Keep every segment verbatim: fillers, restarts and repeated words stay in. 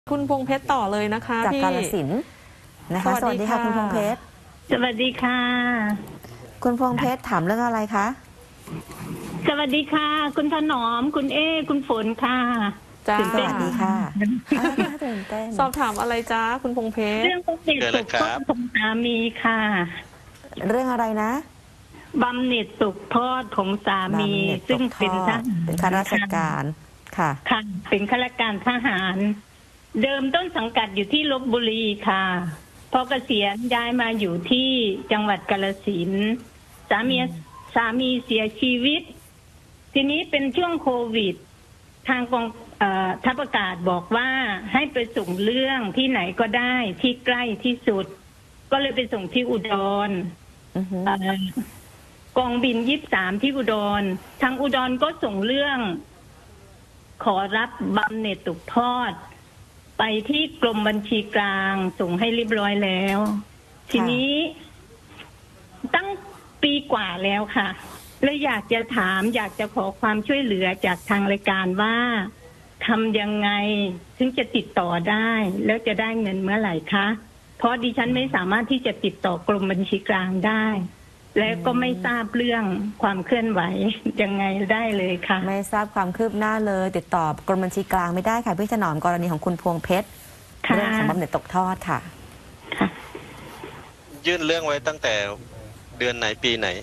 คุณพงเพชรต่อเลยนะคะจากพี่กาฬสินธุ์นะคะสวัสดีค่ะคุณพงเพชรสวัสดีค่ะคุณพงเพชรถามเรื่องอะไรคะสวัสดีค่ะคุณถนอมคุณเอคุณฝนค่ะจ้าสวัสดีค่ะตื่นเต้นสอบถามอะไรจ้าคุณพงเพชรเรื่องบำเหน็จตกทอดของสามีค่ะเรื่องอะไรนะบำเหน็จตกทอดของสามีซึ่งเป็นทหารเป็นข้าราชการค่ะค่ะเป็นข้าราชการทหารเดิมต้นสังกัดอยู่ที่ลพบุรีค่ะพอเกษียณย้ายมาอยู่ที่จังหวัดกาฬสินธุ์สามีสามีเสียชีวิตทีนี้เป็นช่วงโควิดทางกองทัพอากาศบอกว่าให้ไปส่งเรื่องที่ไหนก็ได้ที่ใกล้ที่สุดก็เลยไปส่งที่อุดรกองบินยี่สิบสามที่อุดรทางอุดรก็ส่งเรื่องขอรับบำเหน็จตกทอดไปที่กรมบัญชีกลางส่งให้เรียบร้อยแล้วทีนี้ตั้งปีกว่าแล้วค่ะเลยอยากจะถามอยากจะขอความช่วยเหลือจากทางรายการว่าทำยังไงถึงจะติดต่อได้แล้วจะได้เงินเมื่อไหร่คะเพราะดิฉันไม่สามารถที่จะติดต่อกรมบัญชีกลางได้แล้วก็ไม่ทราบเรื่องความเคลื่อนไหวยังไงได้เลยค่ะไม่ทราบความคืบหน้าเลยติดต่อกรมบัญชีกลางไม่ได้ค่ะพี่ถนอมกรณีของคุณพวงเพชรเรื่องของบำเหน็จตกทอดค่ะยื่นเรื่องไว้ตั้งแต่เดือนไหนปีไหน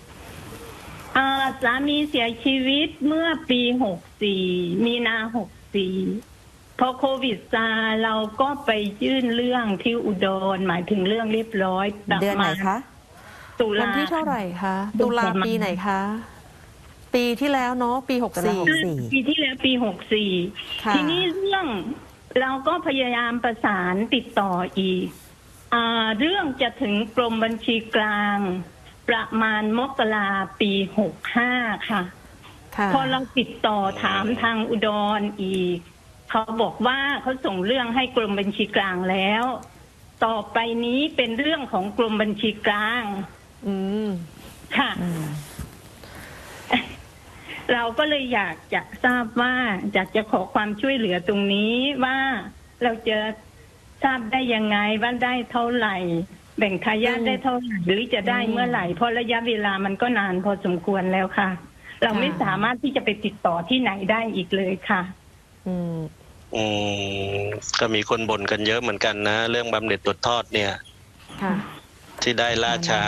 สามีเสียชีวิตเมื่อปีหกสี่มีนาหกสี่พอโควิดซาเราก็ไปยื่นเรื่องที่อุดรหมายถึงเรื่องเรียบร้อยเดือนไหนคะตุลาวันที่เท่าไหร่คะตุลาปีไหนคะปีที่แล้วเนาะปีหกสี่ปีที่แล้วปีหกสี่ทีนี้เรื่องเราก็พยายามประสานติดต่ออีกอ่าเรื่องจะถึงกรมบัญชีกลางประมาณมกราปีหกห้าค่ะพอเราติดต่อถามทางอุดรอีกเขาบอกว่าเขาส่งเรื่องให้กรมบัญชีกลางแล้วต่อไปนี้เป็นเรื่องของกรมบัญชีกลางอืมค่ะเราก็เลยอยากจะทราบว่าอยากจะขอความช่วยเหลือตรงนี้ว่าเราจะทราบได้ยังไงว่าได้เท่าไหร่แบ่งทายาทได้เท่าไหร่หรือจะได้เมื่อไหร่เพราะระยะเวลามันก็นานพอสมควรแล้วค่ะเราไม่สามารถที่จะไปติดต่อที่ไหนได้อีกเลยค่ะอืมอืมก็มีคนบ่นกันเยอะเหมือนกันนะเรื่องบำเหน็จตกทอดเนี่ยที่ได้ล่าช้า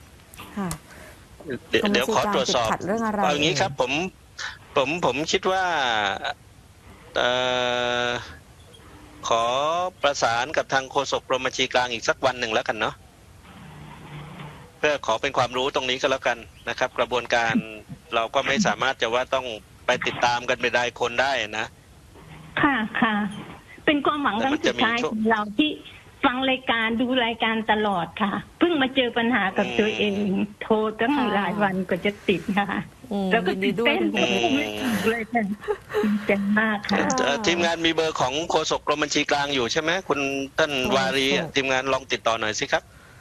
เดี๋ยวเดี๋ยวขอตรวจสอบเอาอย่างนี้ครับผมผมผมคิดว่าเอ่อขอประสานกับทางโฆษกกรมบัญชีกลางอีกสักวันหนึ่งแล้วกันเนาะเพื่อขอเป็นความรู้ตรงนี้ก็แล้วกันนะครับกระบวนการเราก็ไม่สามารถจะว่าต้องไปติดตามกันเป็นรายคนได้นะค่ะค่ะเป็นความหวังครั้งสุดท้ายของเราที่ฟังรายการดูรายการตลอดค่ะเพิ่งมาเจอปัญหากับตัวเองโทรตั้งหลายวันก็จะติดค่ะแล้วก็ตื่นเต้นเลยค่ะเจ๋งมากค่ะทีมงานมีเบอร์ของโฆษกกรมบัญชีกลางอยู่ใช่ไหมคุณท่านวารีทีมงานลองติดต่อหน่อยสิครับ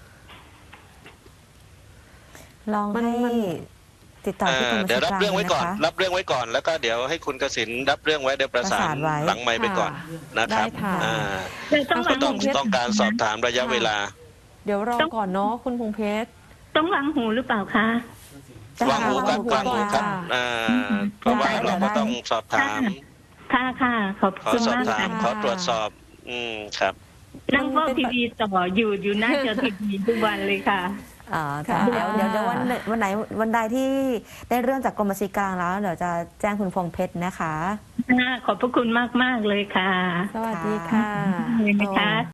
ลองให้ติดต่อที่กรมบัญชีกลางนะคะเดี๋ยวรับเรื่องไว้ก่อนรับเรื่องไว้ก่อนแล้วก็เดี๋ยวให้คุณกสิณรับเรื่องไว้เดี๋ยวประสานหลังไมค์ไปก่อนนะครับต้องต้องต้องการสอบถามระยะเวลาเดี๋ยวรอก่อนเนาะคุณพงเพชรต้องวางหูหรือเปล่าคะวางหูครับวางหูครับเพราะว่าเราก็ต้องสอบถามค่ะค่ะขอบคุณมากค่ะขอตรวจสอบอืมครับนั่งเฝ้าทีวีต่ออยู่อยู่หน้าจอทีวีทุกวันเลยค่ะอ๋อเดี๋ยวเดี๋ยววันวันไหนวันใดที่ได้เรื่องจากกรมบัญชีกลางแล้วเดี๋ยวจะแจ้งคุณพงเพชรนะคะขอบพระคุณมากมากเลยค่ะสวัสดีค่ะ